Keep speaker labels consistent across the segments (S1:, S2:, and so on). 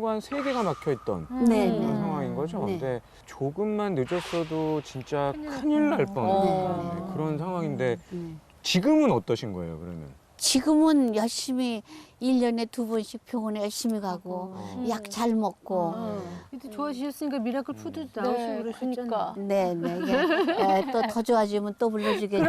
S1: 혈관 3개가 막혀 있던
S2: 네.
S1: 그런 상황인 거죠.
S2: 네.
S1: 근데 조금만 늦었어도 진짜 큰일 날 뻔한 그런 상황인데 지금은 어떠신 거예요, 그러면?
S2: 지금은 열심히 1년에 2번씩 병원에 열심히 가고 약 잘 먹고
S3: 근데 좋아지셨으니까 미라클 푸드도 나오시고 그러셨잖아요.
S2: 네네 또 더 좋아지면 또 불러주겠죠.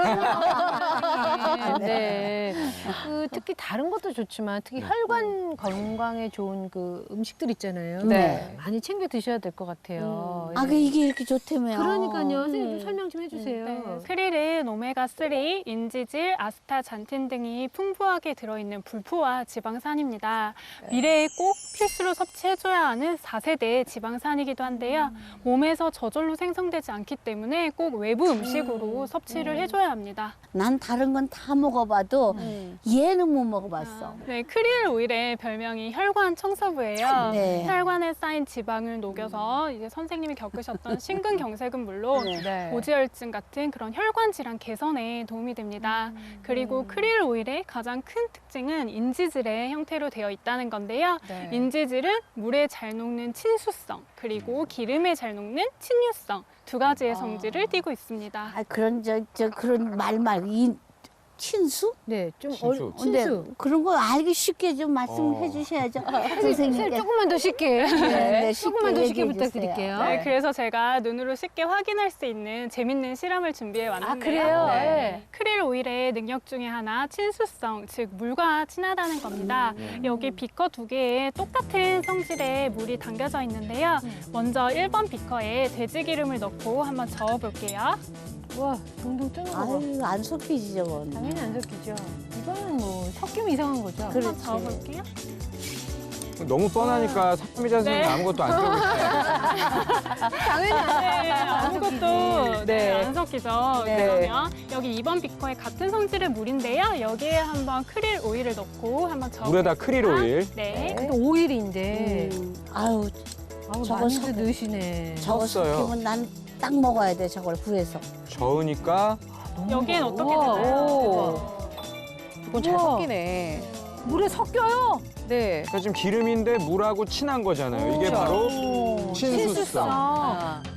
S3: 네. 그 특히 다른 것도 좋지만 특히 혈관 건강에 좋은 그 음식들 있잖아요.
S2: 네.
S3: 많이 챙겨 드셔야 될 것 같아요.
S2: 아, 그 이게 이렇게 좋다며요.
S3: 그러니까요. 선생님 좀 설명 좀 해주세요.
S4: 네, 크릴은 오메가3, 인지질, 아스타잔틴 등이 풍부하게 들어있는 불포화 지방산입니다. 미래에 꼭 필수로 섭취해줘야 하는 4세대 지방산이기도 한데요. 몸에서 저절로 생성되지 않기 때문에 꼭 외부 음식으로 섭취를 해줘야 합니다.
S2: 난 다른 건 다 먹어봐도 얘는 못 먹어봤어.
S4: 네, 크릴 오일의 별명이 혈관 청소부예요.
S2: 네.
S4: 혈관에 쌓인 지방을 녹여서 이제 선생님이 겪으셨던 심근경색은 물론
S3: 네.
S4: 고지혈증 같은 그런 혈관 질환 개선에 도움이 됩니다. 그리고 크릴 오일의 가장 큰 특징은 인지질의 형태로 되어 있다는 건데요.
S3: 네.
S4: 인지질은 물에 잘 녹는 친수성, 그리고 기름에 잘 녹는 친유성 두 가지의 성질을 띠고 있습니다.
S2: 아, 그런 그런 말 말고 친수?
S3: 네, 좀
S1: 친수.
S2: 근데
S3: 친수.
S2: 그런 거 알기 쉽게 좀 말씀해 주셔야죠.
S3: 선생님
S2: 선생님께.
S3: 조금만 더 쉽게.
S2: 네,
S3: 조금만 더 쉽게
S2: 얘기해 주세요.
S3: 부탁드릴게요.
S4: 네, 그래서 제가 눈으로 쉽게 확인할 수 있는 재밌는 실험을 준비해 왔는데요.
S3: 아, 그래요? 네.
S4: 크릴 오일의 능력 중에 하나 친수성, 즉 물과 친하다는 겁니다. 여기 비커 2개에 똑같은 성질의 물이 담겨져 있는데요. 먼저 1번 비커에 돼지 기름을 넣고 한번 저어볼게요.
S3: 와, 동동 뜨는 거 봐.
S2: 아유, 안 섞이지 저건.
S3: 당연히 안 섞이죠. 이거는 뭐 섞이면 이상한 거죠.
S4: 한번
S2: 그렇지.
S4: 저어볼게요.
S1: 너무 뻔하니까 삼미자 선생님
S4: 네.
S1: 아무것도 안 써보세요.
S3: 당연히 안
S4: 네, 아무것도
S3: 네.
S4: 안 섞이죠.
S3: 네.
S4: 그러면 여기 2번 비커에 같은 성질의 물인데요. 여기에 한번 크릴 오일을 넣고 한번 저어보겠습니다.
S1: 물에다 크릴 오일.
S4: 네.
S3: 근데 오일인데.
S2: 아유,
S3: 아우,
S2: 저거
S3: 많이들
S2: 섞여.
S3: 넣으시네.
S2: 저거
S1: 섞어요.
S2: 섞이면 난 딱 먹어야 돼 저걸 구해서.
S1: 저으니까
S4: 여기엔 어떻게
S3: 우와,
S4: 되나요?
S3: 오.
S5: 이건 잘
S3: 우와.
S5: 섞이네.
S3: 물에 섞여요.
S5: 네.
S1: 그러니까 지금 기름인데 물하고 친한 거잖아요. 이게 바로 친수성.
S3: 친수성.